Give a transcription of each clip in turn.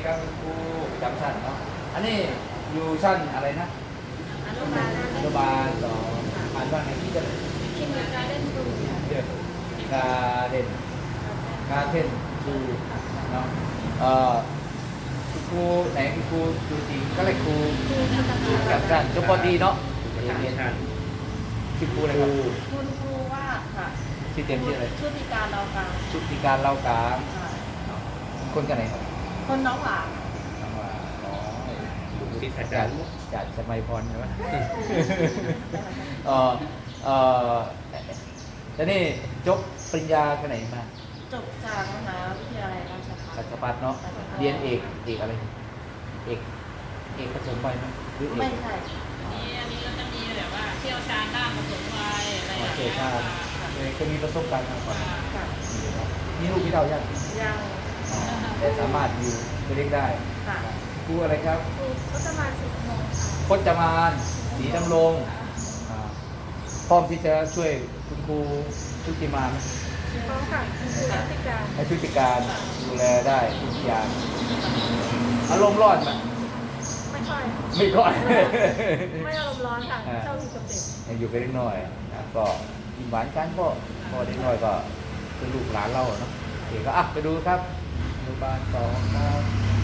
ครับคุณครูจำชั้นเนาะอันนี้อยู่ชั้นอะไรนะอนุบาลนะอนุบาลสองอ่านว่าไงที่จะคิดเหมือนการเล่นดูเดือดกาเด่นกาเทนครูเนาะคุณครูไหนคุณครูตัวจริงก็เลยครูจำชั้นจบปดีเนาะเรียนชื่อครูอะไรครับคุณครูว่าค่ะชื่อเต็มชื่ออะไรชุติการเรากลางชุติการเล่ากลางคนกันไหนครับคนน้องหวานน้องว่าน้อยลูกศิษย์อาจารย์สมัยพรใช่ไหมเออเออแล้วนี่จบปริญญากันไหนมาจบจากมหาวิทยาลัยราชภัฏราชภัฏเนาะเรียนเอกอะไรเอกผสมไปไหมหรือเอกไม่ใช่อันนี้ก็จะมีแบบว่าเชี่ยวชาญด้านผสมวัยอะไรอย่างเชี่ยวเงี้ยชาญเคยมีประสบการณ์มาก่อนมีลูกพี่เต่ายังแต่สามารถอยู่เรียกได้ครูอะไรครับครูก็จะมา10 โมงพจมานศรีดำรงพร้อมที่จะช่วยคุณครูชุติมาไหมพร้อมค่ะคุณครูชุติการให้ชุติการดูแลได้ทุกอย่างอารมณ์ร้อนไหมไม่ค่อยไม่ค่อยไม่อารมณ์ร้อนค่ะชอบอยู่กับเด็กอยู่กับเด็กน้อยนะก็หวานกันก็พอเด็กน้อยก็คือลูกหลานเราเนาะเด็กก็ไปดูครับอนุบาลสองครับ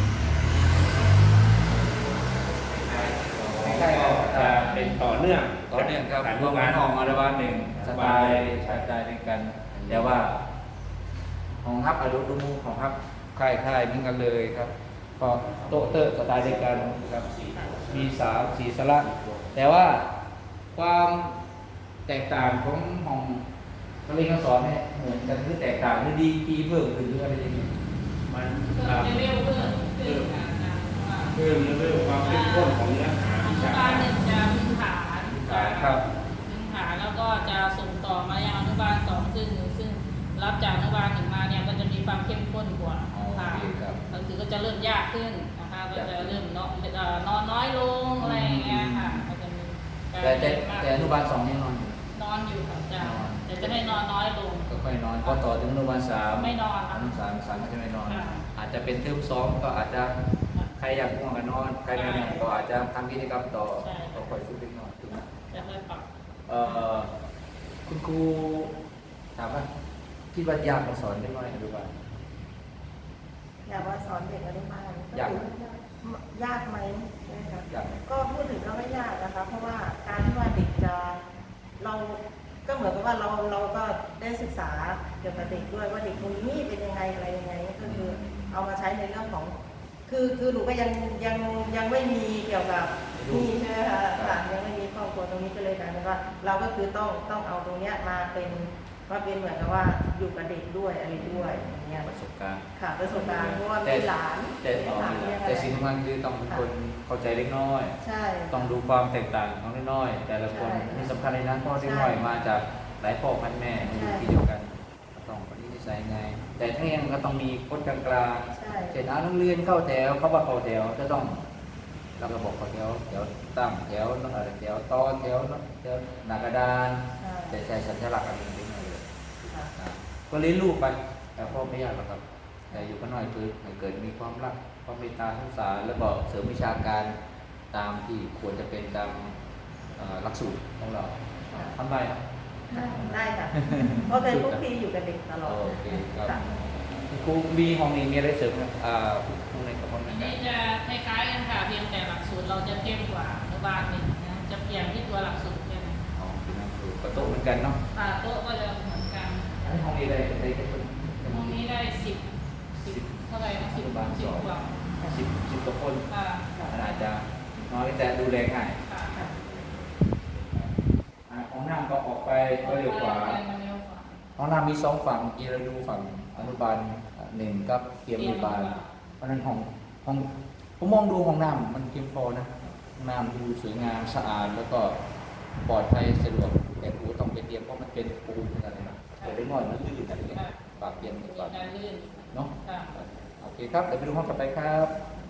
ใกล้ๆจะเป็นต่อเนื่องครับรวมกันห้องอนุบาลหนึ่งสไตล์ชายใจด้วยกันแต่ว่าห้องฮับอนุรูมูของฮับค่ายๆเหมือนกันเลยครับก็โต๊ะเตอร์สไตล์เดียวกันครับมีสีสลักแต่ว่าความแตกต่างของห้องการเรียนการสอนเนี่ยเหมือนกันหรือแตกต่างหรือดีเพิ่มขึ้นหรืออะไรอย่างเงี้ยมันเร็วเพิ่มเรื่องความเข้มข้นของเนื้อหาวิชาการหนึ่งจะพื้นฐานครับพื้นฐานแล้วก็จะส่งต่อมายังอนุบาลสองซึ่งรับจากอนุบาลหนึ่งมาเนี่ยก็จะมีความเข้มข้นกว่าค่ะก็คือก็จะเริ่มยากขึ้นนะคะก็จะเริ่มนอนน้อยลงอะไรอย่างเงี้ยค่ะก็จะมีแต่อนุบาลสองนี่นอนอยู่ค่ะจ้าแต่จะให้นอนน้อยลงก็ค่อยนอนพอต่อถึงอนุบาลสามไม่นอนอนุบาลสามก็จะไม่นอนอาจจะเป็นเทอมสองก็อาจจะใครอยากง่วงก็นอนใครไม่ง่วงก็อาจจะทำกิจกรรมต่อก็ค่อยฝึกเล็กน้อยถูกไหมจะค่อยปรับคุณครูถามว่าคิดว่ายากมาสอนได้ไหมอนุบาลอยากว่าสอนเด็กอนุบาลยากไหมใช่ไหมคะก็พูดถึงก็ไม่ยากนะคะเพราะว่าการที่ว่าเด็กจะเราก็เหมือนกับว่าเราก็ได้ศึกษาเกี่ยวกับเด็กด้วยว่าเด็กคนนี้เป็นยังไงอะไรยังไงก็คือเอามาใช้ในเรื่องของคือหนูก็ยังไม่มีเกี่ยวกับนี่ใช่ไหมคะยังไม่มีครอบครัวตรงนี้ก็เลยกลายเป็นว่าเราก็คือต้องเอาตรงเนี้ยมาเป็นเหมือนกับว่าอยู่กับเด็กด้วยอะไรด้วยอย่างเงี้ยประสบการณ์ค่ะประสบการณ์เพราะว่ามีหลานแต่สิ่งสำคัญคือต้องเป็นคนเข้าใจเล็กน้อยใช่ต้องดูความแตกต่างของเล็กน้อยแต่ละคนมีสำคัญในนั้นพ่อเล็กน้อยมาจากหลายพ่อพันแม่อยู่ที่เดียวกันต้องปฏิสัยไงแต่ทั้งยังก็ต้องมีกฎกลางๆเช่นนักเรียนเข้าแถวเขาว่าเข้าแถวจะต้องเราก็บอกเข้าแถวตั้งแถวอะไรแถวต่อแถวหน้ากระดานแต่ใช้สัญลักษณ์อะไรนิดหน่อยเลยก็เลี้ยงลูกไปแต่พ่อไม่ยากหรอกครับแต่อยู่ก็น้อยคือให้เกิดมีความรักความเมตตาสงสารแล้วก็เสริมวิชาการตามที่ควรจะเป็นตามหลักสูตรของเราทำได้ครับได้ค่ะเพราะเป็นพวกพี่อยู่กับเด็กตลอดโอเคครับครูมีห้องนี้มีอะไรเสริมไหมห้องไหนกับห้องไหนนี่จะคล้ายๆกันค่ะเพียงแต่หลักสูตรเราจะเข้มกว่าอนุบาลหนึ่งนะจะเปลี่ยนที่ตัวหลักสูตรแค่นั้นอ๋อคือนั่งคือโต๊ะเหมือนกันเนาะโต๊ะก็จะเหมือนกันห้องนี้ได้กันห้องนี้ได้10เท่าไหร่นะ10 กว่า10 กว่าคนอาจจะน้อยแต่ดูแลง่ายห้องน้ำก็ออกไปก็เร็วกว่าห้องน้ำมี2 ฝั่งกีฬาดูฝั่งอนุบาล1กับเตรียมอนุบาลเพราะนั้นห้องผมมองดูห้องน้ำมันเพียงพอนะห้องน้ำดูสวยงามสะอาดแล้วก็ปลอดภัยสะดวกแต่ครูต้องไปเตรียมเพราะมันเป็นปูนอะไรนะแต่ได้น้อยมันลื่นอะไรเงี้ยปากเปลี่ยนก่อนเนาะโอเคครับเดี๋ยวไปดูห้องต่อไปครับ